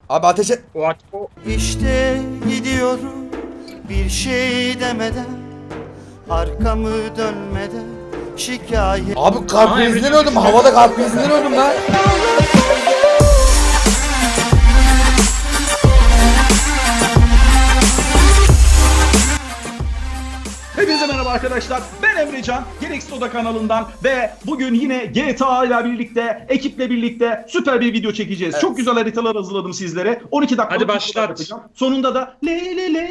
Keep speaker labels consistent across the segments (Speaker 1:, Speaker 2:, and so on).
Speaker 1: Abi ateş et.
Speaker 2: İşte gidiyorum bir şey demeden, arkamı dönmeden, şikayet.
Speaker 1: Abi kalp krizinden öldüm. Havada kalp krizinden öldüm lan.
Speaker 3: Hepinize merhaba arkadaşlar. Ben Emrecan. Gereksiz Oda kanalından ve bugün yine GTA ile birlikte, ekiple birlikte süper bir video çekeceğiz.
Speaker 1: Evet.
Speaker 3: Çok güzel haritalar hazırladım sizlere. 12 dakika.
Speaker 4: Hadi başlat.
Speaker 3: Sonunda da le.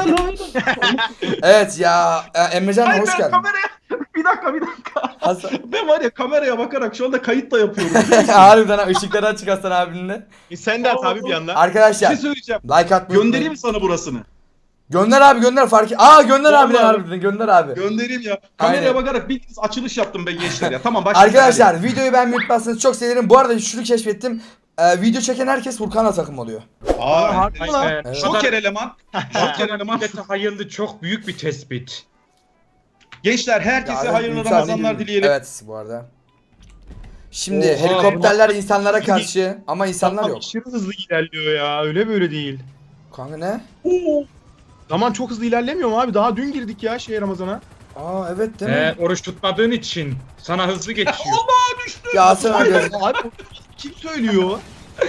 Speaker 1: Evet ya. Emrecan
Speaker 3: Hayır,
Speaker 1: hoş
Speaker 3: ben
Speaker 1: geldin.
Speaker 3: kameraya bir dakika.
Speaker 1: Hasan.
Speaker 3: Ben var ya kameraya bakarak şu anda kayıt da yapıyorum.
Speaker 1: Harbiden ha, ışıkları açık Hasan abinle.
Speaker 5: Sen de at abi bir yandan.
Speaker 3: Bir
Speaker 1: Arkadaşlar
Speaker 3: şey söyleyeceğim.
Speaker 1: like atmayı
Speaker 3: Göndereyim
Speaker 1: unutmayın.
Speaker 3: mi sana burasını?
Speaker 1: Gönder abi gönder fark et. Aa gönder abi
Speaker 3: Vallahi.
Speaker 1: harbiden gönder abi.
Speaker 3: Göndereyim ya. Kameraya
Speaker 1: Aynen.
Speaker 3: bakarak bir açılış yaptım ben gençler ya. Tamam başlayalım.
Speaker 1: Arkadaşlar videoyu beğenmeyi unutmazsanız çok sevinirim. Bu arada şunu keşfettim. Video çeken herkes Furkan'la takım oluyor.
Speaker 5: Harbi mi lan?
Speaker 1: Evet.
Speaker 3: Joker eleman. Joker eleman.
Speaker 4: Millete hayırlı çok büyük bir tespit.
Speaker 3: Gençler herkese
Speaker 1: Ya,
Speaker 3: hayırlı
Speaker 1: Ümit
Speaker 3: Ramazanlar
Speaker 1: abi-
Speaker 3: dileyelim.
Speaker 1: Evet bu arada. Şimdi
Speaker 4: Oha,
Speaker 1: helikopterler insanlara karşı ama insanlar yok.
Speaker 5: Aşırı hızlı ilerliyor ya. Öyle böyle değil.
Speaker 1: Kanka ne?
Speaker 5: Zaman çok hızlı ilerlemiyor mu abi? Daha dün girdik ya Ramazan'a.
Speaker 1: Aa evet değil mi?
Speaker 4: Oruç tutmadığın için sana hızlı geçiyor.
Speaker 3: Allah düştü.
Speaker 1: Ya Hasan abi.
Speaker 5: Abi kim söylüyor?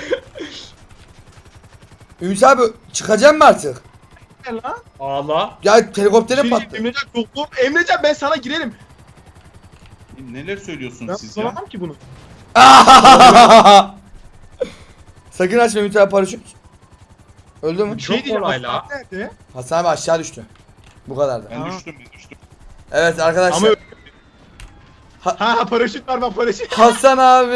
Speaker 1: Ümit abi çıkacağım mı artık?
Speaker 5: Ne lan?
Speaker 4: Ağla.
Speaker 1: Ya helikoptere
Speaker 5: Şey,
Speaker 1: patladı.
Speaker 5: Emrecan doktor. Emrecan ben sana girerim.
Speaker 3: Neler söylüyorsunuz
Speaker 5: Ben
Speaker 3: siz ya?
Speaker 5: tutamam ki bunu.
Speaker 1: Sakın açma Ümit abi paraşüt. Öldü mü?
Speaker 4: Çok kolay la.
Speaker 5: Hasan nerede?
Speaker 1: Hasan abi aşağı düştü. Bu kadardı.
Speaker 3: Ben
Speaker 5: Ha.
Speaker 3: düştüm.
Speaker 1: Evet arkadaşlar.
Speaker 5: Ama ha paraşüt var bak paraşüt.
Speaker 1: Hasan abi.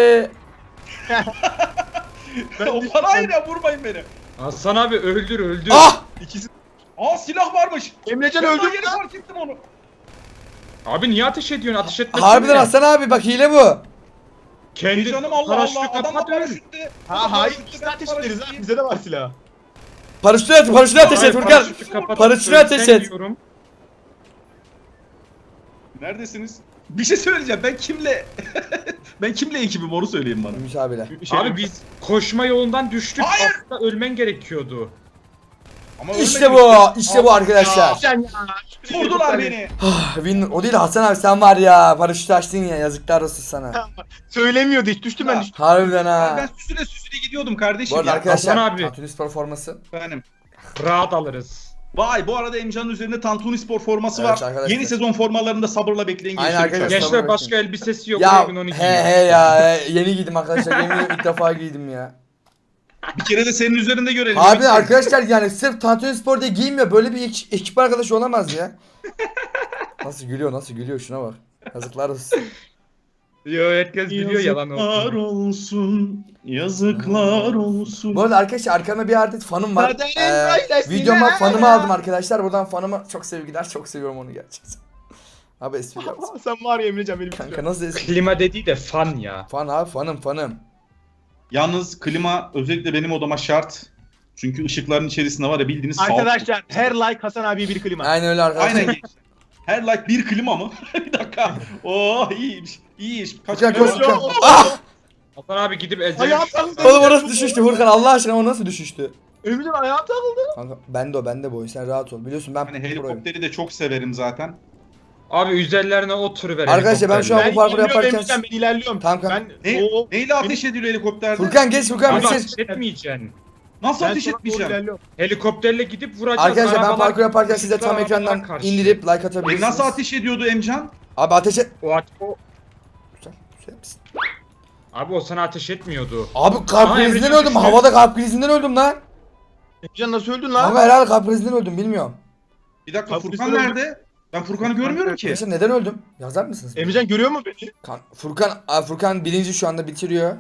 Speaker 3: O parayla vurmayın beni.
Speaker 4: Hasan abi öldür.
Speaker 1: Ah!
Speaker 5: İkisi.
Speaker 3: Aa silah varmış.
Speaker 5: Emrecan
Speaker 3: Ben
Speaker 5: öldü
Speaker 3: daha
Speaker 5: mü
Speaker 3: yeni
Speaker 5: lan?
Speaker 3: fark ettim onu.
Speaker 4: Abi niye ateş ediyorsun? Ateş etme.
Speaker 1: Harbiden Hasan abi bak hile bu.
Speaker 4: Kendi
Speaker 3: Canım Allah
Speaker 4: paraşütü
Speaker 3: Allah. Adam da
Speaker 4: kapat öl.
Speaker 3: paraşütte.
Speaker 5: Ha hayır ikisini ateş ederiz ha. Bize de var silah.
Speaker 1: Paraşütü ateş et
Speaker 4: Hayır,
Speaker 1: Furkan.
Speaker 4: paraşütü kapat.
Speaker 1: Paraşütü ateş et.
Speaker 4: Diyorum.
Speaker 3: Neredesiniz? Bir şey söyleyeceğim. Ben kimle ben kimle ekibim onu söyleyin bana.
Speaker 1: Ümit abiyle.
Speaker 4: Abi biz koşma yolundan düştük.
Speaker 3: Hayır.
Speaker 4: Aslında ölmen gerekiyordu.
Speaker 3: Ama
Speaker 1: İşte
Speaker 3: ölmedim
Speaker 1: bu. İşte bu arkadaşlar.
Speaker 5: Emrecan ya.
Speaker 3: Vurdular beni.
Speaker 1: O değil Hasan abi sen var ya paraşütü açtın ya yazıklar olsun sana.
Speaker 5: Söylemiyordu hiç düştüm ben
Speaker 3: Ya.
Speaker 5: düştüm.
Speaker 1: Harbiden
Speaker 3: Ben
Speaker 1: ha.
Speaker 3: süsüne gidiyordum kardeşim
Speaker 1: Bu arada
Speaker 3: ya.
Speaker 1: arkadaşlar
Speaker 4: Hasan abi.
Speaker 1: Tantuni Spor forması.
Speaker 3: Benim.
Speaker 4: Rahat alırız.
Speaker 3: Vay bu arada Emcan'ın üzerinde Tantuni Spor forması
Speaker 1: Evet
Speaker 3: var.
Speaker 1: arkadaşlar.
Speaker 3: Yeni sezon formalarını da sabırla bekleyin
Speaker 1: Aynen
Speaker 3: gençler.
Speaker 1: arkadaşlar.
Speaker 3: lütfen.
Speaker 4: Gençler başka elbisesi yok.
Speaker 1: Ya
Speaker 4: Bugün onu giyin.
Speaker 1: he ya yeni giydim arkadaşlar yemin ediyorum ilk defa giydim ya.
Speaker 3: Bir kere de senin üzerinde görelim.
Speaker 1: Abi
Speaker 3: Emre.
Speaker 1: arkadaşlar yani sırf Tantuni Spor diye giymiyor böyle bir ekip arkadaşı olamaz ya. Nasıl gülüyor şuna bak. Yazıklar olsun.
Speaker 4: Yo herkes biliyor yalan
Speaker 3: Yazıklar
Speaker 4: olsun.
Speaker 3: olsun. Yazıklar olsun.
Speaker 1: Bu arada arkadaşlar arkamda bir adet fanım var.
Speaker 5: Kaderin böylesine.
Speaker 1: Videoma fanımı aldım arkadaşlar. Buradan fanıma çok sevgiler. Çok seviyorum onu gerçekten. Abi espri yaptım.
Speaker 5: Sen var ya Emrecan benim.
Speaker 1: Kanka nasıl espri?
Speaker 4: Klima dediği de fan ya.
Speaker 1: Fan abi fanım.
Speaker 3: Yalnız klima özellikle benim odama şart. Çünkü ışıkların içerisinde var ya bildiğiniz
Speaker 5: Arkadaşlar her like Hasan abiye bir klima.
Speaker 1: Aynen öyle arkadaşlar.
Speaker 3: Aynen gençler. Her like bir klima mı? Bir dakika. Oo iyiymiş. İyiymiş. Kaç
Speaker 1: Furkan
Speaker 3: klima
Speaker 1: koş
Speaker 3: var?
Speaker 1: Furkan. Ah!
Speaker 4: Hasan abi gidip ezeli.
Speaker 5: Ayağım takıldı.
Speaker 1: Oğlum orası düşüştü Furkan Allah aşkına o nasıl düşüştü?
Speaker 5: Emrecan ayağım takıldı.
Speaker 1: Kanka bende bu oyun sen rahat ol. Biliyorsun ben
Speaker 3: Hani
Speaker 1: proyum.
Speaker 3: helikopteri de çok severim zaten.
Speaker 4: Abi üzerlerine oturuver.
Speaker 1: Arkadaşlar ben şu an-
Speaker 5: Ben
Speaker 1: bu parkuru
Speaker 5: ilerliyorum
Speaker 1: yaparken-
Speaker 5: Emrecan ben ilerliyorum.
Speaker 1: Tamam, kanka.
Speaker 5: Ben
Speaker 3: Neyle ateş ediliyor helikopterde?
Speaker 1: Furkan geç Furkan bir
Speaker 4: Abi
Speaker 1: şey.
Speaker 4: ateş etmeyeceksin.
Speaker 3: Nasıl
Speaker 5: ben
Speaker 3: ateş
Speaker 5: sana doğru
Speaker 3: etmeyeceğim?
Speaker 5: ilerliyorum.
Speaker 4: Helikopterle gidip vuracağız.
Speaker 1: Arkadaşlar ben
Speaker 4: Arabalar-
Speaker 1: parkur yaparken size tam
Speaker 4: arabalar
Speaker 1: ekrandan
Speaker 4: karşı.
Speaker 1: indirip like atabilirsiniz.
Speaker 3: Nasıl ateş ediyordu Emcan?
Speaker 1: Abi ateş et.
Speaker 4: O
Speaker 1: Güzel, güzel misin?
Speaker 4: Abi o sana ateş etmiyordu.
Speaker 1: Abi kalp
Speaker 4: Aa,
Speaker 1: krizinden
Speaker 4: Emrecan
Speaker 1: öldüm.
Speaker 4: düştü.
Speaker 1: Havada kalp krizinden öldüm lan.
Speaker 5: Emrecan nasıl öldün lan?
Speaker 1: Ama herhalde kalp krizinden öldüm bilmiyorum.
Speaker 3: Bir dakika
Speaker 5: Kapı
Speaker 3: Furkan
Speaker 5: üstüne
Speaker 3: nerede? Ben Furkan'ı görmüyorum ki.
Speaker 1: Arkadaşlar neden öldüm? Yazar mısınız?
Speaker 5: Emrecan görüyor mu beni?
Speaker 1: Furkan birinci şu anda bitiriyor.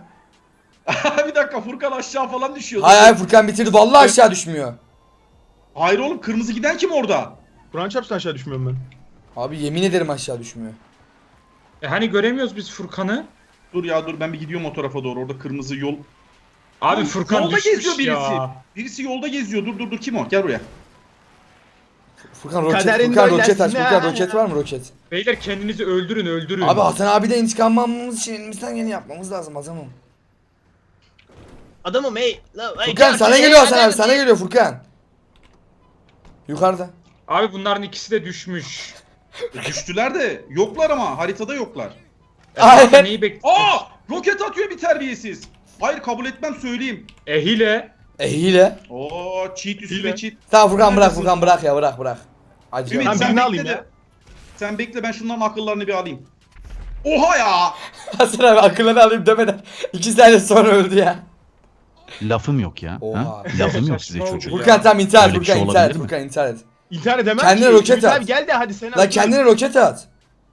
Speaker 3: Bir dakika Furkan aşağı falan düşüyordu.
Speaker 1: Hayır Furkan bitirdi. Vallahi aşağı düşmüyor.
Speaker 3: Hayır oğlum kırmızı giden kim orada?
Speaker 5: Kur'an çarpsın aşağı düşmüyorum ben.
Speaker 1: Abi yemin ederim aşağı düşmüyor.
Speaker 4: Hani göremiyoruz biz Furkan'ı.
Speaker 3: Dur ya dur ben bir gidiyorum o tarafa doğru. Orada kırmızı yol.
Speaker 4: Abi
Speaker 3: Lan,
Speaker 4: Furkan
Speaker 3: yolda
Speaker 4: düşmüş
Speaker 3: geziyor birisi.
Speaker 4: ya.
Speaker 3: Birisi yolda geziyor. Dur kim o? Gel buraya.
Speaker 1: Furkan
Speaker 5: Kaderin
Speaker 1: roket aç.
Speaker 5: böylesine.
Speaker 1: Furkan roket var mı roket?
Speaker 4: Beyler kendinizi öldürün.
Speaker 1: Abi Hasan abi de intikam almamız için elimizden geleni yapmamız lazım adamım.
Speaker 5: Adamım hey.
Speaker 1: Furkan sana geliyor Hasan abi, sana geliyor Furkan. Yukarıda.
Speaker 4: Abi bunların ikisi de düşmüş.
Speaker 3: Düştüler de yoklar ama haritada yoklar.
Speaker 1: Aynen.
Speaker 4: Neyi bekliyorsun?
Speaker 3: Aa! Roket atıyor bir terbiyesiz. Hayır kabul etmem söyleyeyim.
Speaker 4: Hile.
Speaker 1: Hile.
Speaker 3: Oo cheat üstüne
Speaker 5: Hile.
Speaker 3: cheat.
Speaker 1: Tamam Furkan bırak,
Speaker 3: Neredesin?
Speaker 1: Furkan bırak ya, bırak. Acı.
Speaker 3: Ümit
Speaker 5: Ben
Speaker 3: sen
Speaker 5: birini
Speaker 3: bekle
Speaker 5: alayım
Speaker 3: de.
Speaker 5: ya.
Speaker 3: Sen bekle ben şunların akıllarını bir alayım. Oha ya!
Speaker 1: Hasan abi akılları alayım demeden 2 saniye sonra öldü ya.
Speaker 6: Lafım yok ya.
Speaker 1: Oha.
Speaker 6: Ha? Lafım yok size
Speaker 4: Saçma
Speaker 6: çocuğum.
Speaker 4: oldu
Speaker 1: Furkan tamam intihar et,
Speaker 6: Öyle bir
Speaker 1: Furkan
Speaker 6: şey
Speaker 1: intihar et,
Speaker 6: olabilir mi?
Speaker 1: Furkan intihar et.
Speaker 5: İntihar edemem
Speaker 1: Kendine
Speaker 5: ki.
Speaker 1: roket
Speaker 5: Ümit
Speaker 1: at.
Speaker 5: abi gel de hadi sen
Speaker 1: La kendine roket at.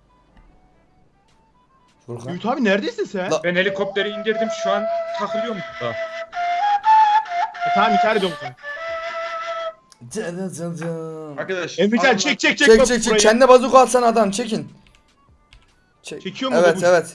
Speaker 1: Furkan.
Speaker 5: Ümit abi neredesin sen?
Speaker 1: La-
Speaker 4: Ben helikopteri indirdim şu an takılıyorum burada.
Speaker 5: Tamam intihar ediyorum sen.
Speaker 3: Arkadaş.
Speaker 5: Emrecan
Speaker 3: ardından-
Speaker 5: çek
Speaker 1: Çek çek çek, kendine bazuka atsana adam, çekin.
Speaker 5: Çekiyor mu
Speaker 1: Evet
Speaker 5: bu?
Speaker 1: evet.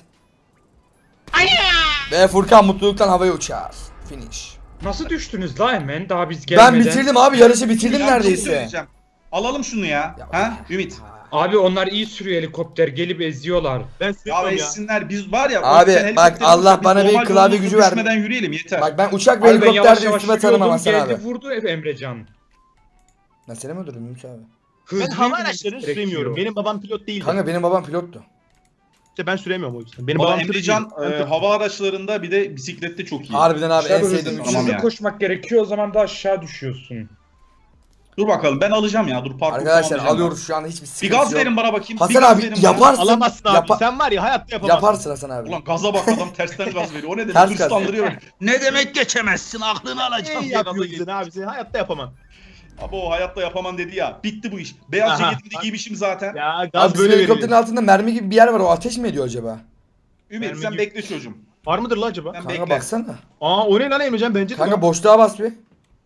Speaker 1: Ve Furkan mutluluktan havaya uçar. Finish.
Speaker 4: Nasıl düştünüz la hemen daha biz gelmeden?
Speaker 1: Ben bitirdim abi, yarışı bitirdim
Speaker 3: Ya, bir şey
Speaker 1: neredeyse.
Speaker 3: söyleyeceğim. Alalım şunu ya.
Speaker 1: Ya,
Speaker 3: Ha? Ümit.
Speaker 4: Abi onlar iyi sürüyor helikopter gelip eziyorlar.
Speaker 5: Ben
Speaker 3: Ya
Speaker 5: sürüyorum ya.
Speaker 3: etsinler biz var ya.
Speaker 1: Abi,
Speaker 3: sen
Speaker 1: bak,
Speaker 3: helikopteri
Speaker 1: Allah
Speaker 3: uçak, biz
Speaker 1: bana bir
Speaker 3: normal
Speaker 1: klavye
Speaker 3: yolumuza
Speaker 1: gücü verdi.
Speaker 3: düşmeden yürüyelim yeter.
Speaker 1: Bak ben uçak ve
Speaker 4: Abi ben yavaş
Speaker 1: helikopterde
Speaker 4: yavaş
Speaker 1: üstüme tanımam Hasan
Speaker 4: geldi
Speaker 1: abi.
Speaker 4: vurdu Emrecan.
Speaker 1: Ben seni mi öldürdüm Ümit abi?
Speaker 5: Ben
Speaker 4: Hızlı
Speaker 5: hava
Speaker 4: yürümemiz
Speaker 5: araçlarını
Speaker 4: gerekiyor.
Speaker 5: süremiyorum. Benim babam pilot değildi.
Speaker 1: Kanka benim babam pilottu.
Speaker 5: İşte ben süremiyorum o yüzden. Benim
Speaker 3: Valla
Speaker 5: babam
Speaker 3: Emrecan
Speaker 5: pilot değil.
Speaker 3: hava araçlarında bir de bisiklette çok iyi.
Speaker 1: Harbiden abi en
Speaker 4: Tabii
Speaker 1: sevdiğim
Speaker 4: hızlı,
Speaker 1: şey.
Speaker 3: Tamam ya.
Speaker 4: koşmak gerekiyor o zaman da aşağı düşüyorsun.
Speaker 3: Dur bakalım ben alacağım ya. Dur parkur
Speaker 1: Arkadaşlar
Speaker 3: tamamlayacağım
Speaker 1: alıyoruz şu anda, hiçbir
Speaker 3: ben. Bir
Speaker 1: sıkıntı
Speaker 3: gaz
Speaker 1: yok.
Speaker 3: verin bana bakayım.
Speaker 1: Hasan
Speaker 3: bir gaz
Speaker 1: abi
Speaker 3: verin bana.
Speaker 1: yaparsın.
Speaker 5: Alamazsın abi.
Speaker 1: Yapa-
Speaker 5: Sen var ya hayatta yapamazsın.
Speaker 1: Yaparsın Hasan abi.
Speaker 3: Ulan gaza bak adam tersten gaz veriyor. O ne
Speaker 1: Ters
Speaker 3: demek?
Speaker 1: gaz.
Speaker 3: Hırslandırıyor beni. Ne demek geçemezsin aklını alacağım
Speaker 5: İyi
Speaker 3: diye gaza
Speaker 5: yapıyorsun
Speaker 3: geliyor.
Speaker 5: abi. Sen hayatta yapamam.
Speaker 3: Abi o hayatta yapamam dedi ya. Bitti bu iş. Beyaz
Speaker 5: Aha.
Speaker 3: ceketimi de giymişim zaten.
Speaker 5: Ya
Speaker 1: Abi
Speaker 5: gaz
Speaker 1: bizim
Speaker 5: böyle
Speaker 1: helikopterin
Speaker 5: verilir.
Speaker 1: altında mermi gibi bir yer var, o ateş mi ediyor acaba?
Speaker 3: Ümit
Speaker 5: Mermi
Speaker 3: sen
Speaker 5: gibi.
Speaker 3: bekle çocuğum.
Speaker 5: Var mıdır lan acaba?
Speaker 3: Sen
Speaker 1: Kanka
Speaker 3: bekle.
Speaker 1: baksana.
Speaker 5: Aa o ne lan Emrecan bence de.
Speaker 1: Kanka
Speaker 5: Kanka
Speaker 1: boşluğa bas bir.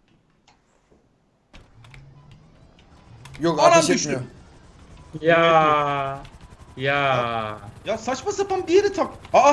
Speaker 1: Yok
Speaker 3: Anam
Speaker 1: ateş
Speaker 3: düştü.
Speaker 1: etmiyor.
Speaker 4: Ya. Ya.
Speaker 3: Ya saçma sapan bir yeri tak. Aa.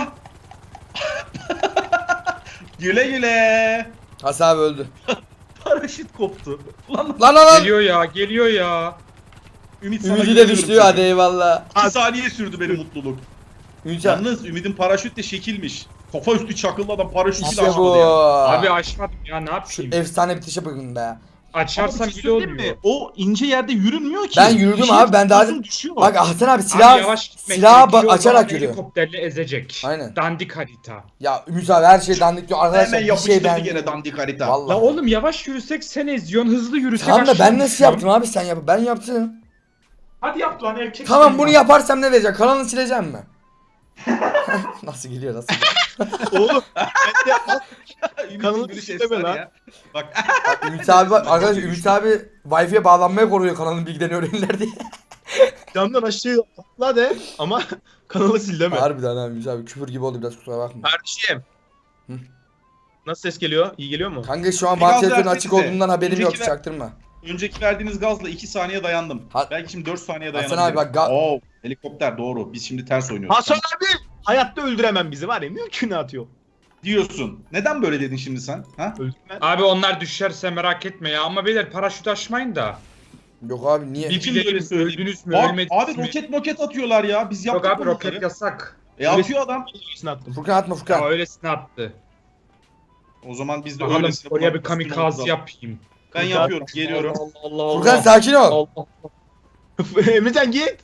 Speaker 3: Güle güle.
Speaker 1: Hasan abi öldü.
Speaker 3: Paraşüt koptu. Lan
Speaker 1: Lan.
Speaker 4: Geliyor ya.
Speaker 3: Ümit sana
Speaker 1: Ümidi de
Speaker 3: güveniyorum
Speaker 1: düştü
Speaker 3: çocuğum.
Speaker 1: hadi eyvallah.
Speaker 3: 2 saniye sürdü benim mutluluk.
Speaker 1: Ümit abi.
Speaker 3: Yalnız Ümit'in paraşüt de şekilmiş. Kafa üstü çakıllı adam paraşütü
Speaker 1: İşte
Speaker 3: bile
Speaker 1: bu.
Speaker 3: açmadı ya.
Speaker 4: Abi açmadım ya ne
Speaker 1: Şu
Speaker 4: yapayım?
Speaker 1: efsane bitişe bakın be.
Speaker 4: Açarsam
Speaker 3: Ama bir şey
Speaker 4: bile
Speaker 3: söyleyeyim
Speaker 4: olmuyor.
Speaker 3: mi? O ince yerde yürünmüyor ki.
Speaker 1: Ben yürüdüm
Speaker 3: Bir şey
Speaker 1: abi, ben daha-
Speaker 3: tutuyorsun, düşüyor.
Speaker 1: Bak Hasan abi
Speaker 4: Abi
Speaker 1: silah
Speaker 4: yavaş gitmek
Speaker 1: silahı
Speaker 4: gerekiyor, o
Speaker 1: açarak
Speaker 4: zaman
Speaker 1: yürüyor.
Speaker 4: Helikopterle ezecek.
Speaker 1: Aynen.
Speaker 4: Dandik harita.
Speaker 1: Ya Ümit abi her şey dandik diyor arkadaşlar,
Speaker 3: Hemen
Speaker 1: bir
Speaker 3: yapıştırdı
Speaker 1: şey ben.
Speaker 3: gene dandik harita.
Speaker 1: Vallahi.
Speaker 4: La oğlum yavaş yürüsek sen eziyorsun, hızlı yürüsek
Speaker 1: Tamam da
Speaker 4: aşağı
Speaker 1: ben nasıl
Speaker 4: düşüyorsun.
Speaker 1: yaptım abi, sen yap. Ben yaptım.
Speaker 4: Hadi yap lan erkek.
Speaker 1: Tamam
Speaker 4: sen
Speaker 1: bunu
Speaker 4: ya.
Speaker 1: yaparsam ne diyecek? Kanalı sileceğim mi? Nasıl geliyor nasıl?
Speaker 5: Oğlum ben de
Speaker 3: Ümit'in
Speaker 5: Kanalı
Speaker 3: gülüş
Speaker 5: sileme
Speaker 3: efsane
Speaker 5: lan.
Speaker 3: ya. Bak
Speaker 1: Bak, Ümit abi bak arkadaşlar, Ümit abi Wi-Fi'ye bağlanmaya koruyor kanalın bilgilerini öğrenirler diye.
Speaker 5: camdan aşağı atla de ama kanalı sil deme.
Speaker 1: Harbiden abi Ümit abi küfür gibi oldu, biraz kusura bakma.
Speaker 5: Kardeşim.
Speaker 1: Hı.
Speaker 5: Nasıl ses geliyor? İyi geliyor mu?
Speaker 1: Kanka şu an
Speaker 3: Bir
Speaker 1: bana
Speaker 3: gaz
Speaker 1: telefonun
Speaker 3: versenize.
Speaker 1: açık olduğundan haberim yok,
Speaker 3: Önceki ver-
Speaker 1: çaktırma.
Speaker 3: önceki verdiğiniz gazla 2 saniye dayandım.
Speaker 1: Ha-
Speaker 3: Belki şimdi 4 saniye
Speaker 1: Hasan
Speaker 3: dayanabilirim.
Speaker 1: abi bak
Speaker 3: Oo, helikopter doğru. Biz şimdi ters oynuyoruz.
Speaker 5: Hasan abi hayatta öldüremem bizi var ya mümkünatı yok.
Speaker 3: Diyorsun. Neden böyle dedin şimdi sen? Ha?
Speaker 5: Öldürmem.
Speaker 4: Abi onlar düşerse merak etme ya ama beyler paraşüt açmayın da.
Speaker 1: Yok abi niye?
Speaker 4: Bir
Speaker 3: Kim
Speaker 4: bilelim
Speaker 3: böyle söyleyeyim?
Speaker 4: öldünüz mü
Speaker 3: Bak,
Speaker 4: ölmediniz
Speaker 3: abi
Speaker 4: mi?
Speaker 3: roket atıyorlar ya. Biz
Speaker 4: Yok
Speaker 3: yaptık
Speaker 4: abi
Speaker 3: bunu
Speaker 4: roket
Speaker 3: bunları.
Speaker 4: yasak.
Speaker 3: Atıyor adam.
Speaker 5: Öylesine attım.
Speaker 1: Furkan atma
Speaker 4: Ya
Speaker 1: Furkan.
Speaker 4: öylesine attı.
Speaker 3: O zaman biz de
Speaker 4: Bakalım
Speaker 3: öylesine.
Speaker 4: oraya bir
Speaker 3: bunların üstüne
Speaker 4: kamikaze
Speaker 3: oturalım.
Speaker 4: yapayım.
Speaker 3: Ben
Speaker 5: Furkan-
Speaker 3: yapıyorum. Geliyorum.
Speaker 4: Allah Allah
Speaker 1: Furkan sakin ol.
Speaker 4: Allah Allah.
Speaker 5: Emrecan git.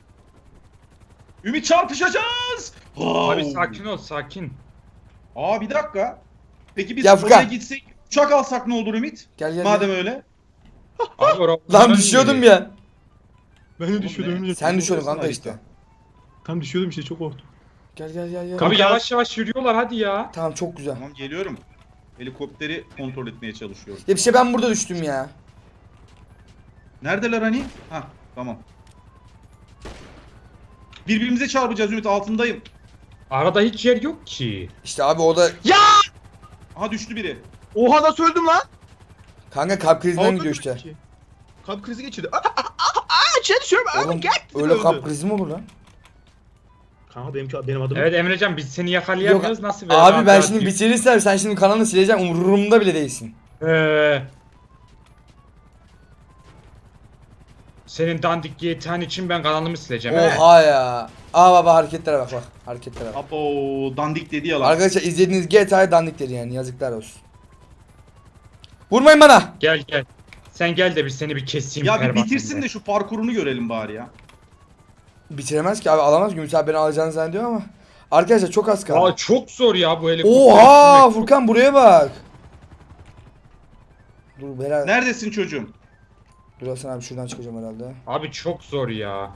Speaker 3: Ümit çarpışacağız.
Speaker 4: Abi sakin ol sakin.
Speaker 3: Aa bir dakika. Peki biz
Speaker 1: Ya
Speaker 3: oraya
Speaker 1: Furkan.
Speaker 3: gitsek uçak alsak ne olur Ümit?
Speaker 1: Gel gel.
Speaker 3: Madem
Speaker 1: gel.
Speaker 3: öyle.
Speaker 4: Abi
Speaker 1: Lan
Speaker 4: onların
Speaker 1: düşüyordum
Speaker 4: yeri.
Speaker 1: ya.
Speaker 5: Ben de
Speaker 3: Oğlum
Speaker 5: düşüyordum
Speaker 3: ne?
Speaker 5: Emrecan.
Speaker 1: Sen düşüyordun
Speaker 3: Orası
Speaker 1: kanka
Speaker 3: harita.
Speaker 1: işte.
Speaker 5: Tam düşüyordum işte çok korktum.
Speaker 1: Gel gel gel gel.
Speaker 4: Abi yavaş yavaş yürüyorlar hadi ya.
Speaker 1: Tamam çok güzel.
Speaker 3: Tamam geliyorum. Helikopteri kontrol etmeye çalışıyorum.
Speaker 1: Ya bir şey, ben burada düştüm ya.
Speaker 3: Neredeler hani? Hah tamam. Birbirimize çarpacağız Ümit altındayım.
Speaker 4: Arada hiç yer yok ki.
Speaker 1: İşte abi o da
Speaker 3: Aha düştü biri.
Speaker 5: Oha nasıl öldüm lan?
Speaker 1: kanka kalp krizinden
Speaker 5: Havada
Speaker 1: gidiyor işte.
Speaker 5: öldüm ki. Kalp krizi geçirdi. Aşağı düşüyorum.
Speaker 1: Oğlum
Speaker 5: Gel.
Speaker 1: öyle kalp krizi mi olur lan?
Speaker 5: Kanka benim adım.
Speaker 4: Evet Emrecan biz seni yakalayamıyoruz nasıl be?
Speaker 1: Abi ben
Speaker 4: Rahat
Speaker 1: şimdi
Speaker 4: rahat
Speaker 1: bitirirsem sen şimdi kanalını sileceğim, umurumda bile değilsin.
Speaker 4: yürü. Senin dandik GTA'n için ben kanalımı sileceğim. he?
Speaker 1: Oha ya. Aa baba hareketlere bak bak. Hareketlere bak.
Speaker 3: Abo dandik dedi ya lan.
Speaker 1: Arkadaşlar izlediğiniz GTA'ya dandik dedi yani, yazıklar olsun. Vurmayın bana.
Speaker 4: Gel gel. Sen gel de bir seni bir keseyim.
Speaker 3: Ya bir
Speaker 4: pervanende.
Speaker 3: bitirsin de şu parkurunu görelim bari ya.
Speaker 1: Bitiremez ki abi, alamaz. Ümit abi beni alacağını zannediyor ama. Arkadaşlar çok az kaldı.
Speaker 4: Aa çok zor ya bu helikopter.
Speaker 1: Oha
Speaker 4: sürmek.
Speaker 1: Furkan buraya bak. Dur herhalde.
Speaker 3: Neredesin çocuğum?
Speaker 1: Dur Hasan abi, şuradan çıkacağım herhalde.
Speaker 4: Abi çok zor ya.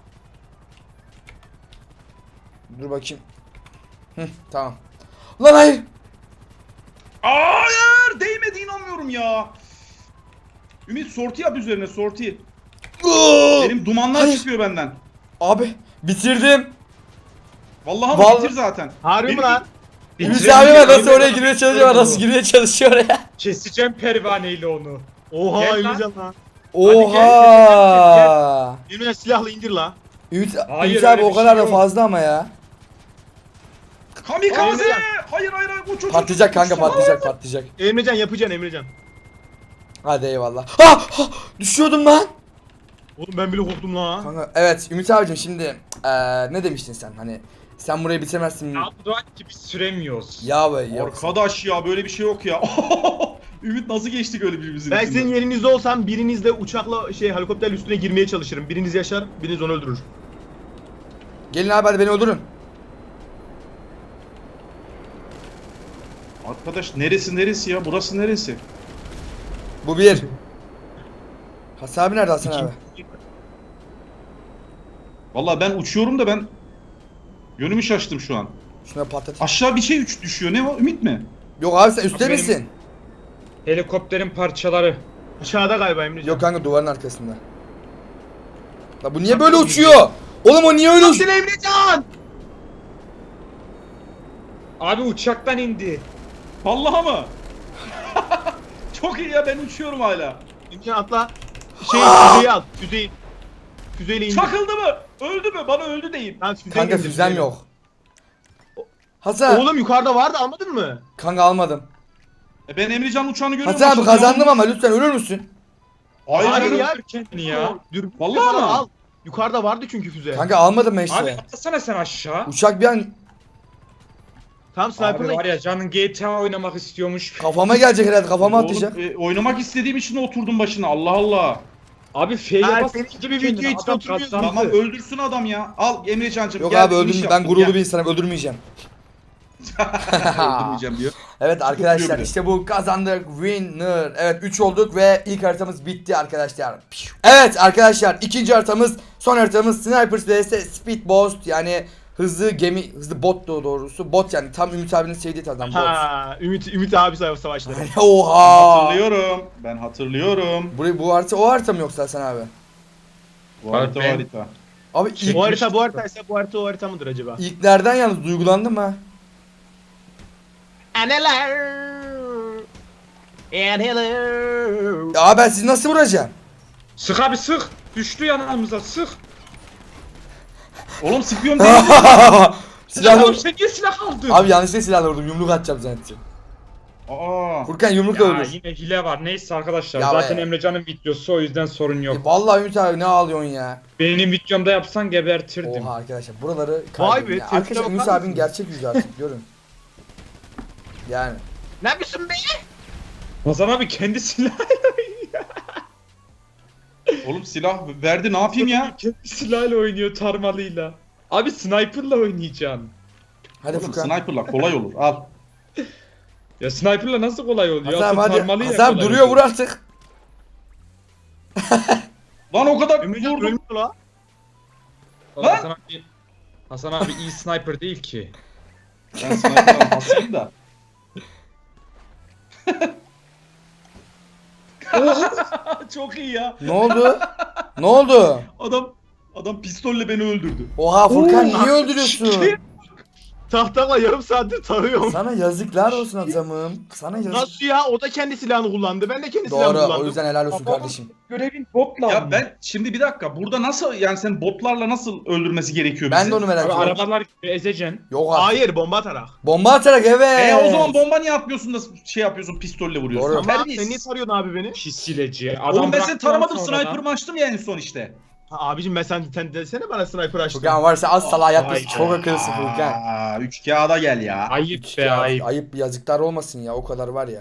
Speaker 1: Dur bakayım. Tamam. Lan hayır.
Speaker 3: Hayır, değmedi, inanmıyorum ya. Ümit sorti yap üzerine, sorti. Benim dumanlar
Speaker 1: Hayır.
Speaker 3: çıkıyor benden.
Speaker 1: Abi bitirdim.
Speaker 3: Vallahi
Speaker 1: Vallahi-
Speaker 3: bitir zaten.
Speaker 5: Harbi mi
Speaker 3: Benim-
Speaker 5: lan?
Speaker 1: Ümit abi bak nasıl oraya girmeye çalışıyor, nasıl girmeye çalışıyor oraya.
Speaker 4: Keseceğim pervaneyle onu.
Speaker 5: Oha
Speaker 4: Gel lan.
Speaker 5: Emrecan lan.
Speaker 1: Oha.
Speaker 5: Emrecan silahla indir la.
Speaker 1: Ümit,
Speaker 4: Hayır,
Speaker 1: Ümit abi
Speaker 4: öyle
Speaker 1: o
Speaker 4: bir
Speaker 1: kadar
Speaker 4: şey
Speaker 1: da
Speaker 4: yok.
Speaker 1: fazla ama ya.
Speaker 3: Kamikaze!
Speaker 5: Emrecan.
Speaker 3: Hayır hayır hayır, uç uç.
Speaker 1: Patlayacak
Speaker 3: uç,
Speaker 1: kanka,
Speaker 3: uç.
Speaker 1: patlayacak patlayacak.
Speaker 5: Emrecan yapacaksın Emrecan.
Speaker 1: Hadi eyvallah. Ha! Düşüyordum lan.
Speaker 5: Oğlum ben bile korktum la.
Speaker 1: Kanka evet Ümit abicim, şimdi ne demiştin sen, hani sen burayı bitiremezsin.
Speaker 4: Ya bu da gibi süremiyoruz.
Speaker 1: Ya be ya.
Speaker 3: Arkadaş ya, böyle bir şey yok ya. Ümit nasıl geçtik öyle birbirimizin
Speaker 5: Ben
Speaker 3: içinden?
Speaker 5: senin yerinizde olsam birinizle uçakla helikopter üstüne girmeye çalışırım. Biriniz yaşar, biriniz onu öldürür.
Speaker 1: Gelin abi hadi beni öldürün.
Speaker 3: Arkadaş neresi ya? Burası neresi?
Speaker 1: Bu bir. Hasan abi nerede Hasan abi?
Speaker 3: Vallahi ben uçuyorum da ben yönümü şaştım şu an.
Speaker 1: Şuna patlat.
Speaker 3: Aşağı bir şey düşüyor. Ne var? Ümit mi?
Speaker 1: Yok abi sen üstte
Speaker 4: Abi benim-
Speaker 1: misin?
Speaker 4: Helikopterin parçaları.
Speaker 5: Aşağıda galiba Emrecan.
Speaker 1: Yok kanka, duvarın arkasında. La bu niye böyle uçuyor? Oğlum o niye öyle uçuyor?
Speaker 5: Nasıl Emrecan?
Speaker 4: Abi uçaktan indi.
Speaker 3: Vallahi mı? Çok iyi ya, ben uçuyorum hala.
Speaker 5: Emrecan atla. Füzeyi al. Füzeyi. Füzeyle indir.
Speaker 3: Çakıldı mı? Öldü mü? Bana öldü deyin.
Speaker 5: Lan füzeyi
Speaker 1: Kanka
Speaker 5: indir,
Speaker 1: füzem
Speaker 5: füzeyi.
Speaker 1: yok. Hasan.
Speaker 5: Oğlum yukarıda vardı, almadın mı?
Speaker 1: Kanka almadım.
Speaker 3: Ben Emrecan uçağını görüyorum.
Speaker 1: Hasan abi
Speaker 3: Şimdi
Speaker 1: kazandım
Speaker 3: yolun-
Speaker 1: ama lütfen ölür müsün?
Speaker 3: Hayır,
Speaker 5: Hayır
Speaker 3: hayır
Speaker 5: ya.
Speaker 4: Öldür kendini ya.
Speaker 5: Dürbün
Speaker 3: Vallahi
Speaker 5: falan
Speaker 3: mi?
Speaker 5: al. Yukarıda vardı çünkü füze.
Speaker 1: Kanka almadım ben
Speaker 4: Abi
Speaker 1: işte.
Speaker 4: atlasana sen aşağı.
Speaker 1: Uçak bir an
Speaker 5: Tam
Speaker 4: Abi
Speaker 5: sniper'la
Speaker 4: var ya canın GTA oynamak istiyormuş.
Speaker 1: kafama gelecek herhalde, kafama
Speaker 3: Oğlum,
Speaker 1: atlayacak.
Speaker 3: oynamak istediğim için oturdum başına. Allah Allah.
Speaker 4: Abi F'ye
Speaker 5: Ha,
Speaker 4: bas.
Speaker 5: senin gibi
Speaker 4: kendini,
Speaker 5: video hiç
Speaker 4: adam
Speaker 5: oturmuyorsun.
Speaker 4: kazandı.
Speaker 3: Tamam, öldürsün adam ya. Al Emrecan'cım.
Speaker 1: Yok
Speaker 3: gel,
Speaker 1: abi
Speaker 3: finish
Speaker 1: öldürmeyeceğim. Ben
Speaker 3: yaptım,
Speaker 1: gururlu
Speaker 3: gel.
Speaker 1: bir insanım, öldürmeyeceğim.
Speaker 3: Öldürmeyeceğim diyor.
Speaker 1: Evet arkadaşlar
Speaker 3: Tutuyor bir de.
Speaker 1: işte bu kazandık, winner. Evet 3 olduk ve ilk haritamız bitti arkadaşlar. Evet arkadaşlar ikinci haritamız, son haritamız Snipers vs Speedboat, yani hızlı gemi, hızlı bot doğrusu. Bot yani tam Ümit abinin sevdiği tarzdan bot.
Speaker 5: Ha, Ümit abi savaşları.
Speaker 1: Oha.
Speaker 3: Hatırlıyorum. Ben hatırlıyorum.
Speaker 1: Bu harita o harita mı yoksa Hasan abi?
Speaker 3: Bu harita
Speaker 4: ben-
Speaker 3: harita.
Speaker 1: Abi ilk,
Speaker 5: Bu harita bu haritaysa bu harita o harita mıdır acaba?
Speaker 1: ilklerden yalnız duygulandım ha.
Speaker 5: Anneler. And hello.
Speaker 1: Ya ben sizi nasıl vuracağım?
Speaker 4: Sık abi sık. Düştü yanımıza sık.
Speaker 3: Oğlum sıkıyorum değil.
Speaker 1: Silahla
Speaker 4: Oğlum sen niye silah aldın?
Speaker 1: Abi yanlışlıkla silahla vurdum, yumruk atacağım zannettim.
Speaker 3: Aa.
Speaker 1: Furkan yumrukla
Speaker 4: Ya
Speaker 1: ölür.
Speaker 4: yine hile var. Neyse arkadaşlar.
Speaker 1: Ya
Speaker 4: zaten
Speaker 1: be.
Speaker 4: Emrecan'ın videosu, o yüzden sorun yok.
Speaker 1: Vallahi Ümit abi ne ağlıyorsun ya?
Speaker 4: Benim videomda yapsan gebertirdim.
Speaker 1: Oha arkadaşlar buraları
Speaker 5: Vay
Speaker 1: kaybettim
Speaker 5: be,
Speaker 1: ya.
Speaker 5: tepkine
Speaker 1: Arkadaşlar
Speaker 5: bakar
Speaker 1: Ümit abinin
Speaker 5: mısınız?
Speaker 1: gerçek yüzü artık görün. Yani.
Speaker 5: Ne yapıyorsun be?
Speaker 4: Hasan abi kendi silahıyla oynuyor.
Speaker 3: Oğlum silah verdi, ne yapayım ya?
Speaker 4: Kendi silahıyla oynuyor, tarmalıyla. Abi sniper'la oynayacaksın.
Speaker 1: Hadi
Speaker 3: Oğlum
Speaker 1: Furkan.
Speaker 3: sniper'la kolay olur. Al.
Speaker 4: Ya sniper'la nasıl kolay oluyor?
Speaker 1: Hasan abi
Speaker 4: Asıl
Speaker 1: hadi.
Speaker 4: tarmalıyla
Speaker 1: Hasan abi
Speaker 4: kolay
Speaker 1: duruyor,
Speaker 4: oluyor.
Speaker 1: vur artık.
Speaker 3: Lan o kadar
Speaker 5: Emrecan
Speaker 3: vurdum.
Speaker 5: ölmüyor la.
Speaker 4: Oğlum
Speaker 3: Lan!
Speaker 4: Hasan abi iyi sniper değil ki.
Speaker 3: Ben sniper'dan basayım da. Çok iyi ya.
Speaker 1: Ne oldu? Ne oldu?
Speaker 3: Adam pistolle beni öldürdü.
Speaker 1: Oha Furkan niye öldürüyorsun?
Speaker 5: Tahtakla yarım saattir tarıyorum.
Speaker 1: Sana yazıklar olsun adamım. Sana yazık.
Speaker 5: Nasıl ya? O da kendi silahını kullandı. Ben de kendi silahımı
Speaker 1: Doğru,
Speaker 5: kullandım.
Speaker 1: o yüzden helal olsun kardeşim.
Speaker 4: Görevin botla.
Speaker 3: Ya ben şimdi bir dakika, burada nasıl, yani sen botlarla nasıl öldürmesi gerekiyor
Speaker 1: Ben
Speaker 3: bizi?
Speaker 1: de onu merak
Speaker 4: Abi
Speaker 1: ediyorum.
Speaker 4: arabalar gibi ezeceksin.
Speaker 1: Yok artık.
Speaker 5: Hayır, bomba atarak.
Speaker 1: Bomba atarak evet.
Speaker 3: O zaman bomba niye atmıyorsun da şey yapıyorsun, pistolle vuruyorsun?
Speaker 1: Doğru.
Speaker 5: Ama
Speaker 3: Terbiyesiz.
Speaker 5: sen niye tarıyorsun abi beni?
Speaker 4: Pis hileci.
Speaker 3: Oğlum ben seni
Speaker 4: bıraktıktan
Speaker 3: taramadım,
Speaker 4: sonra da-
Speaker 3: sniper'ımı açtım ya en son işte.
Speaker 5: Ha, abicim sen desene bana sniper açtın.
Speaker 1: Furkan varsa az salağa yapmasın.
Speaker 4: Vay
Speaker 1: Çok
Speaker 4: be.
Speaker 1: akıllısın Furkan.
Speaker 3: Aa, 3 kağıda gel ya.
Speaker 4: Ayıp be
Speaker 1: Ya,
Speaker 4: ayıp.
Speaker 1: ayıp yazıklar olmasın ya, o kadar var ya.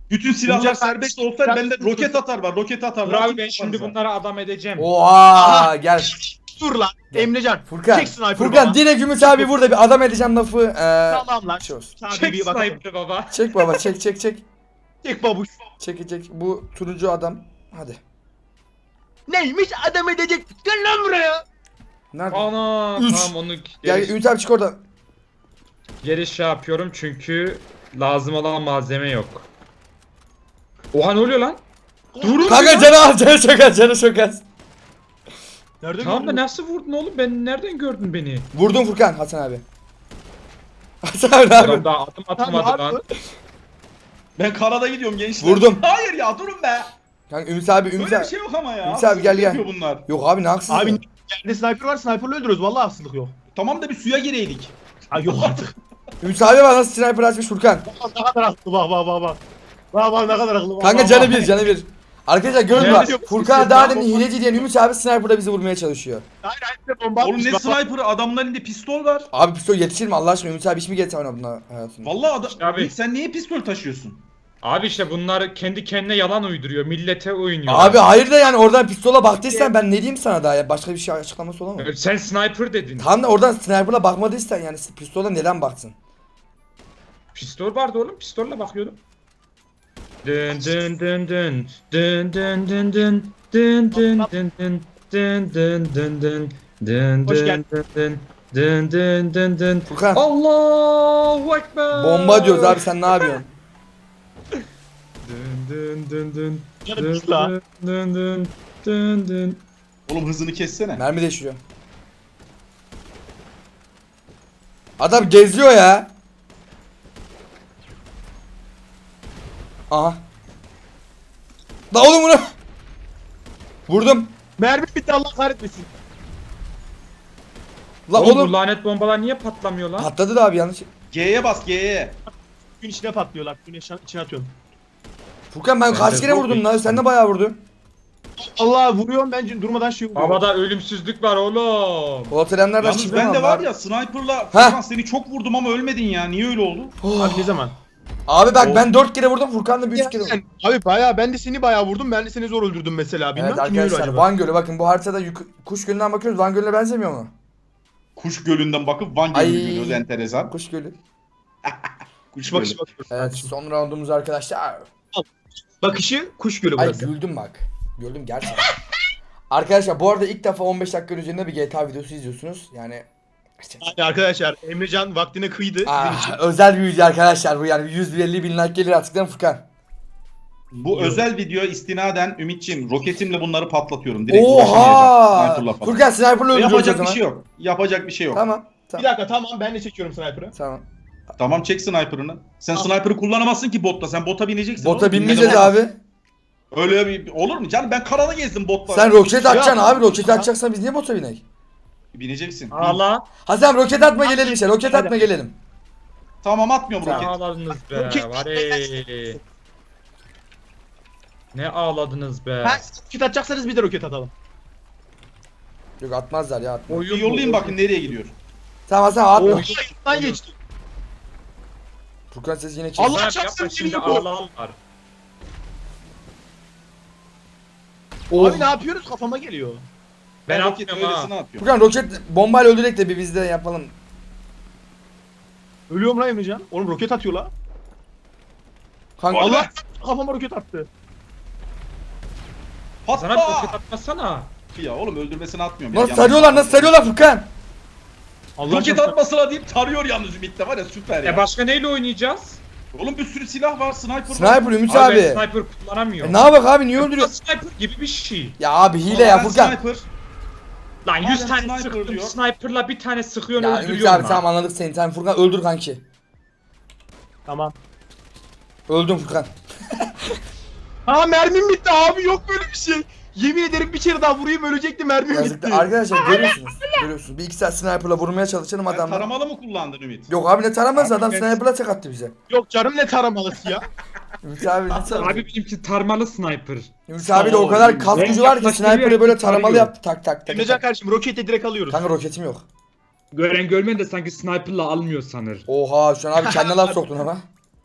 Speaker 3: Bütün silahlar
Speaker 5: Bunlar
Speaker 3: serbest olsaydı bende roket atar var. Roket atar.
Speaker 4: Dur abi ben şimdi bunları adam edeceğim.
Speaker 1: Oha gel.
Speaker 5: Dur lan. Emrecan.
Speaker 1: Furkan.
Speaker 5: Çek sniper
Speaker 1: Furkan
Speaker 5: baba.
Speaker 1: direkt Ümit abi burada bir adam edeceğim lafı.
Speaker 5: Tamam lan.
Speaker 1: Şey olsun.
Speaker 5: Sana
Speaker 4: Çek
Speaker 5: bir bakalım.
Speaker 4: sniper baba.
Speaker 1: Çek baba çek çek çek.
Speaker 5: Çek babuş.
Speaker 1: Çekecek. Bu turuncu adam. Hadi.
Speaker 5: Neymiş adam edecek. Gel lan buraya.
Speaker 1: Nerede?
Speaker 4: Ana
Speaker 1: Üç.
Speaker 4: tamam onu
Speaker 1: Gel
Speaker 4: geri,
Speaker 1: Ümit abi çık oradan.
Speaker 4: geri şey yapıyorum çünkü lazım olan malzeme yok. Oha ne oluyor lan?
Speaker 5: Durun.
Speaker 1: Kanka canı al canı çok az canı çok az.
Speaker 5: Nerede
Speaker 4: Tamam da
Speaker 5: gördün?
Speaker 4: nasıl vurdun oğlum? Ben nereden gördün beni?
Speaker 1: Vurdum Furkan Hasan abi. Hasan abi ne
Speaker 4: Adam
Speaker 1: yapıyorsun?
Speaker 4: daha adım
Speaker 5: Lan
Speaker 4: atmadı
Speaker 5: ne
Speaker 4: lan.
Speaker 5: yapıyorsun?
Speaker 3: Ben karada gidiyorum gençler.
Speaker 1: Vurdum.
Speaker 3: Hayır ya durun be.
Speaker 1: Kanka Ümit abi Ümit
Speaker 3: Böyle bir
Speaker 1: abi.
Speaker 3: şey yok ama ya.
Speaker 1: Ümit abi, gel, gel.
Speaker 3: Yapıyor bunlar.
Speaker 1: Yok abi ne haksız.
Speaker 5: Abi
Speaker 1: ya.
Speaker 5: yerde sniper var. Sniper'la öldürüyoruz. Vallahi haksızlık yok.
Speaker 3: Tamam da bir suya gireydik.
Speaker 5: Ay yok artık.
Speaker 1: Ümit abi bak nasıl sniper açmış Furkan.
Speaker 5: Ne kadar haklı bak bak bak bak. Bak bak ne kadar haklı bak.
Speaker 1: Kanka
Speaker 5: bak,
Speaker 1: canı
Speaker 5: bak.
Speaker 1: bir canı bir. Arkadaşlar görün
Speaker 4: Ne
Speaker 1: bak.
Speaker 5: diyor?
Speaker 1: Furkan'a daha demin hileci diyen Ümit abi sniper'da bizi vurmaya çalışıyor.
Speaker 5: Hayır hayır bomba
Speaker 3: Oğlum
Speaker 5: atmış,
Speaker 3: ne
Speaker 5: bak, bak.
Speaker 3: sniper'ı adamın elinde pistol var.
Speaker 1: Abi pistol yetişir mi Allah aşkına? Ümit abi hiç mi getir buna hayatında?
Speaker 3: Vallahi adam.
Speaker 4: Abi.
Speaker 3: Ümit, sen niye pistol taşıyorsun?
Speaker 4: Abi işte bunlar kendi kendine yalan uyduruyor. Millete oynuyor.
Speaker 1: Abi hayır da yani oradan pistola baktıysan ben ne diyeyim sana daha ya? Başka bir şey açıklaması olamaz.
Speaker 4: Sen sniper dedin.
Speaker 1: Tam da oradan sniper'la bakmadıysan yani pistola neden baksın?
Speaker 4: Pistol vardı oğlum. Pistolle bakıyordum. Dın dın dın dın dın dın dın dın dın dın dın dın dın dın dın dın dın
Speaker 5: Hoş
Speaker 4: dın
Speaker 5: geldin.
Speaker 4: dın dın dın dın dın.
Speaker 1: Furkan
Speaker 4: Allahu Ekber.
Speaker 1: bomba diyoruz abi sen ne yapıyorsun?
Speaker 4: Dın dın dın dın
Speaker 5: Canım
Speaker 4: dın
Speaker 5: pis la.
Speaker 4: dın dın dın dın.
Speaker 3: Oğlum hızını kessene.
Speaker 1: Mermi değiştiriyor. Adam geziyor ya. Aha. La oğlum bunu. Vurdum.
Speaker 5: Mermi bitti Allah kahretmesin.
Speaker 1: La
Speaker 4: Oğlum bu
Speaker 1: oğlum.
Speaker 4: lanet bombalar niye patlamıyor lan?
Speaker 1: Patladı da abi yanlış.
Speaker 3: G'ye bas G'ye.
Speaker 5: Gün içine patlıyorlar. Gün içine atıyorum.
Speaker 1: Furkan ben kaç
Speaker 4: de
Speaker 1: kere
Speaker 4: çok
Speaker 1: vurdum
Speaker 4: iyi.
Speaker 1: lan? Sen de bayağı vurdun.
Speaker 5: Allah vuruyorum ben durmadan şey vuruyorum.
Speaker 4: Havada ölümsüzlük var oğlum.
Speaker 1: Volterenlerden
Speaker 3: Yalnız
Speaker 1: çıkmıyor
Speaker 3: ben de
Speaker 1: mu
Speaker 3: var
Speaker 1: abi?
Speaker 3: ya sniper'la Furkan seni çok vurdum ama ölmedin ya. Niye öyle oldu?
Speaker 1: Oh.
Speaker 5: Abi ne zaman?
Speaker 1: Abi bak ben 4 kere vurdum Furkan da bir 3 kere vurdum.
Speaker 5: Abi bayağı ben de seni bayağı vurdum. Ben de seni zor öldürdüm mesela. Bilmem
Speaker 1: Evet
Speaker 5: kim öyle
Speaker 1: arkadaşlar
Speaker 5: acaba.
Speaker 1: Van Gölü bakın bu haritada Kuş Gölü'nden bakıyoruz. Van Gölü'ne benzemiyor mu?
Speaker 3: Kuş Gölü'nden bakıp Van
Speaker 1: Ay.
Speaker 3: Gölü'nü görüyoruz enteresan.
Speaker 1: Kuş Gölü.
Speaker 3: Kuş
Speaker 5: Bakışı
Speaker 3: Gölü.
Speaker 5: bakıyoruz.
Speaker 1: Evet son roundumuz arkadaşlar.
Speaker 5: Bakışı kuş gölü
Speaker 1: Ay
Speaker 5: burası.
Speaker 1: güldüm bak. Güldüm gerçekten. Arkadaşlar bu arada ilk defa 15 dakikanın üzerinde bir GTA videosu izliyorsunuz. Yani
Speaker 5: Yani arkadaşlar Emrecan vaktine kıydı sizin için.
Speaker 1: özel bir video arkadaşlar bu yani 150 bin like gelir artık değil mi Furkan?
Speaker 3: Bu özel video istinaden Ümitçim roketimle bunları patlatıyorum. Direkt uğraşamayacağım
Speaker 1: Oha!
Speaker 3: sniper'la falan.
Speaker 1: Furkan sniper'la öldürüyoruz o
Speaker 3: Yapacak
Speaker 1: zaman.
Speaker 3: bir şey yok. Yapacak bir şey yok.
Speaker 1: Tamam.
Speaker 5: Bir
Speaker 1: Tamam.
Speaker 5: dakika tamam ben de çekiyorum sniper'ı.
Speaker 1: Tamam.
Speaker 3: Tamam çek sniper'ını. Sen
Speaker 5: Tamam.
Speaker 3: sniper'ı kullanamazsın ki botta. Sen bota bineceksin.
Speaker 1: Bota
Speaker 3: oğlum.
Speaker 1: binmeyeceğiz
Speaker 3: Binmeden
Speaker 1: abi.
Speaker 3: olmaz. Öyle bir olur mu canım? Ben karada gezdim botla.
Speaker 1: Sen roket atacaksın
Speaker 5: Ya.
Speaker 1: abi. Roket atacaksan biz niye bota binek?
Speaker 3: Bineceksin.
Speaker 4: Ağla.
Speaker 1: Hasan roket atma gelelim işte. Roket atma gelelim.
Speaker 3: Tamam atmıyorum
Speaker 4: Ne
Speaker 3: roket.
Speaker 4: ağladınız be.
Speaker 5: Roket-
Speaker 4: Var ey. Ne ağladınız be.
Speaker 5: Ha roket atacaksanız bir de roket atalım.
Speaker 1: Yok atmazlar ya atma.
Speaker 3: Bir yollayayım bakın nereye gidiyor.
Speaker 1: Tamam Hasan atma.
Speaker 5: Oh. Yanından geçti.
Speaker 1: Furkan ses yine
Speaker 5: Allah
Speaker 1: çek.
Speaker 4: Yapma,
Speaker 5: çarpsın
Speaker 4: yapma, şimdi
Speaker 5: seni bu.
Speaker 4: ağlarlar.
Speaker 1: Oh.
Speaker 5: Abi ne yapıyoruz kafama geliyor.
Speaker 4: Ben
Speaker 3: roket
Speaker 4: atmıyorum ha.
Speaker 3: öylesine atıyorum.
Speaker 1: Furkan roket bombayla öldürek de bir biz de yapalım.
Speaker 5: Ölüyorum lan Emrecan. Oğlum roket atıyor la.
Speaker 1: Kanka
Speaker 3: Allah!
Speaker 5: Allah kafama roket attı.
Speaker 4: Sana bir roket
Speaker 3: Patla!
Speaker 4: atmasana.
Speaker 3: Ya oğlum öldürmesine atmıyorum. ya.
Speaker 1: nasıl
Speaker 3: Yanlış
Speaker 1: sarıyorlar nasıl sarıyorlar Furkan?
Speaker 5: Allah
Speaker 3: Roket
Speaker 5: çarpsın.
Speaker 3: atmasına deyip tarıyor yalnız Ümit'te var ya süper ya.
Speaker 4: Başka neyle oynayacağız?
Speaker 3: Oğlum bir sürü silah var sniper var.
Speaker 1: Sniper Ümit
Speaker 4: Abi,
Speaker 1: abi.
Speaker 4: ben sniper kullanamıyorum.
Speaker 1: Ne yapak abi niye öldürüyor?
Speaker 4: Sniper gibi bir şey.
Speaker 1: Ya abi hile ya
Speaker 3: Ben
Speaker 1: Furkan.
Speaker 3: Sniper.
Speaker 4: Lan 100
Speaker 3: Hala
Speaker 4: tane
Speaker 3: sniper
Speaker 4: sıktım.
Speaker 3: diyor.
Speaker 4: Sniper'la bir tane sıkıyorsun
Speaker 1: Ya Ümit
Speaker 4: öldürüyorsun
Speaker 1: abi
Speaker 4: lan.
Speaker 1: tamam anladık seni. Tamam Furkan öldür kanki.
Speaker 5: Tamam.
Speaker 1: Öldüm Furkan.
Speaker 5: Ha mermim bitti abi yok böyle bir şey. Yemin ederim bir kere daha vurayım ölecekti mermim
Speaker 1: Yazık
Speaker 5: bitti.
Speaker 1: da arkadaşlar görüyorsunuz. Görüyorsunuz. Bir iki saat sniper'la vurmaya çalışalım
Speaker 3: Sen
Speaker 1: adamlar.
Speaker 3: taramalı mı kullandın Ümit?
Speaker 1: Yok abi ne taramaz
Speaker 4: Abi
Speaker 1: adam
Speaker 4: ben-
Speaker 1: sniper'la tek attı bize.
Speaker 5: Yok canım ne taramalısı ya.
Speaker 1: Ümit abi ne taramaz?
Speaker 4: Abi benimki tarmalı sniper.
Speaker 1: Ümit abi de o kadar kas
Speaker 4: Ben
Speaker 1: gücü var ki
Speaker 4: yaklaştırıyor,
Speaker 1: sniper'ı böyle taramalı
Speaker 4: tarıyor.
Speaker 1: yaptı tak tak tak.
Speaker 5: Emrecan
Speaker 1: tak.
Speaker 5: kardeşim roketi direkt alıyoruz.
Speaker 1: Kanka roketim yok.
Speaker 4: Gören görmeyen de sanki sniper'la almıyor sanır.
Speaker 1: Oha şu an abi kendine laf soktun ama.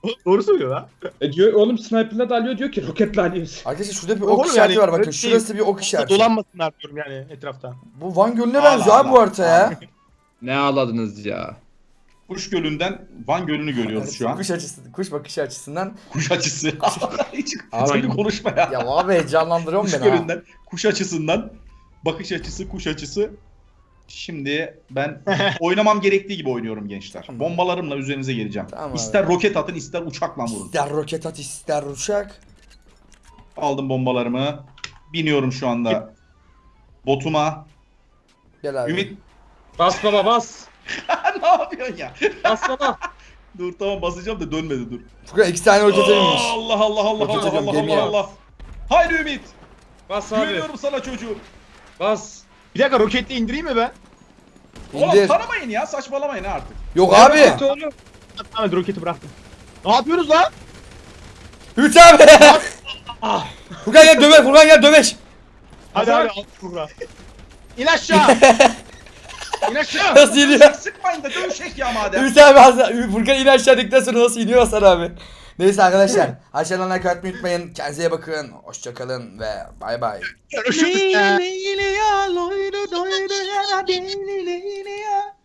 Speaker 5: Doğru söylüyor lan.
Speaker 4: Diyor oğlum sniper'la da alıyor diyor ki roketle alıyoruz.
Speaker 1: Arkadaşlar şurada bir
Speaker 5: Oğlum
Speaker 1: ok işareti
Speaker 5: yani,
Speaker 1: var bakın.
Speaker 5: öyle
Speaker 1: Şurası bir ok işareti.
Speaker 5: Dolanmasınlar diyorum yani etrafta.
Speaker 1: Bu Van Gölü'ne
Speaker 5: Allah
Speaker 1: benziyor abi bu
Speaker 5: Allah.
Speaker 1: harita ya.
Speaker 4: Ne ağladınız ya?
Speaker 5: Kuş Gölü'nden Van Gölü'nü görüyoruz şu an.
Speaker 1: Kuş açısı, kuş bakışı açısından.
Speaker 5: Kuş açısı. Hiç
Speaker 1: Abi-
Speaker 5: seni konuşma ya.
Speaker 1: Ya abi heyecanlandırıyorsun
Speaker 5: Kuş
Speaker 1: beni ha.
Speaker 5: Gölü'nden, kuş açısından, bakış açısı, kuş açısı. Şimdi ben oynamam gerektiği gibi oynuyorum gençler.
Speaker 1: Tamam.
Speaker 5: Bombalarımla üzerinize geleceğim.
Speaker 1: Tamam abi.
Speaker 5: İster roket atın, ister uçakla vurun.
Speaker 1: İster roket at ister uçak.
Speaker 5: Aldım bombalarımı. Biniyorum şu anda botuma.
Speaker 1: Gel abi.
Speaker 5: Ümit
Speaker 4: Bas baba bas.
Speaker 5: ne yapıyorsun ya?
Speaker 4: Bas baba.
Speaker 5: Dur tamam basacağım da dönmedi dur.
Speaker 1: Furkan 2 tane roket binmiş.
Speaker 5: Allah Allah Allah
Speaker 1: Roket
Speaker 5: Allah
Speaker 1: atıyorum,
Speaker 5: Allah
Speaker 1: gemiye.
Speaker 5: Allah Allah. Haydi Ümit.
Speaker 4: Bas abi.
Speaker 5: Güveniyorum sana çocuğum.
Speaker 4: Bas.
Speaker 5: Bir dakika roketle indireyim mi ben? Oğlum
Speaker 1: İndir.
Speaker 5: tanımayın ya saçmalamayın ha artık.
Speaker 1: Yok abi.
Speaker 4: Evet oğlum.
Speaker 5: Tamam roketi bıraktım. Ne yapıyoruz lan?
Speaker 1: Ümit abi. Furkan gel döveş. Furkan gel döveş.
Speaker 5: Hadi
Speaker 4: Hazar.
Speaker 5: hadi al şuraya. İn aşağı. İn aşağı.
Speaker 1: Nasıl iniyor?
Speaker 5: Sıkmayın da dövüşek ya madem.
Speaker 1: Ümit abi Furkan in aşağı dedikten sonra nasıl iniyor Hasan abi. Neyse arkadaşlar. Aşağıdan like atmayı unutmayın. Kendinize iyi bakın. Hoşçakalın ve bay bay.
Speaker 5: Görüşürüz.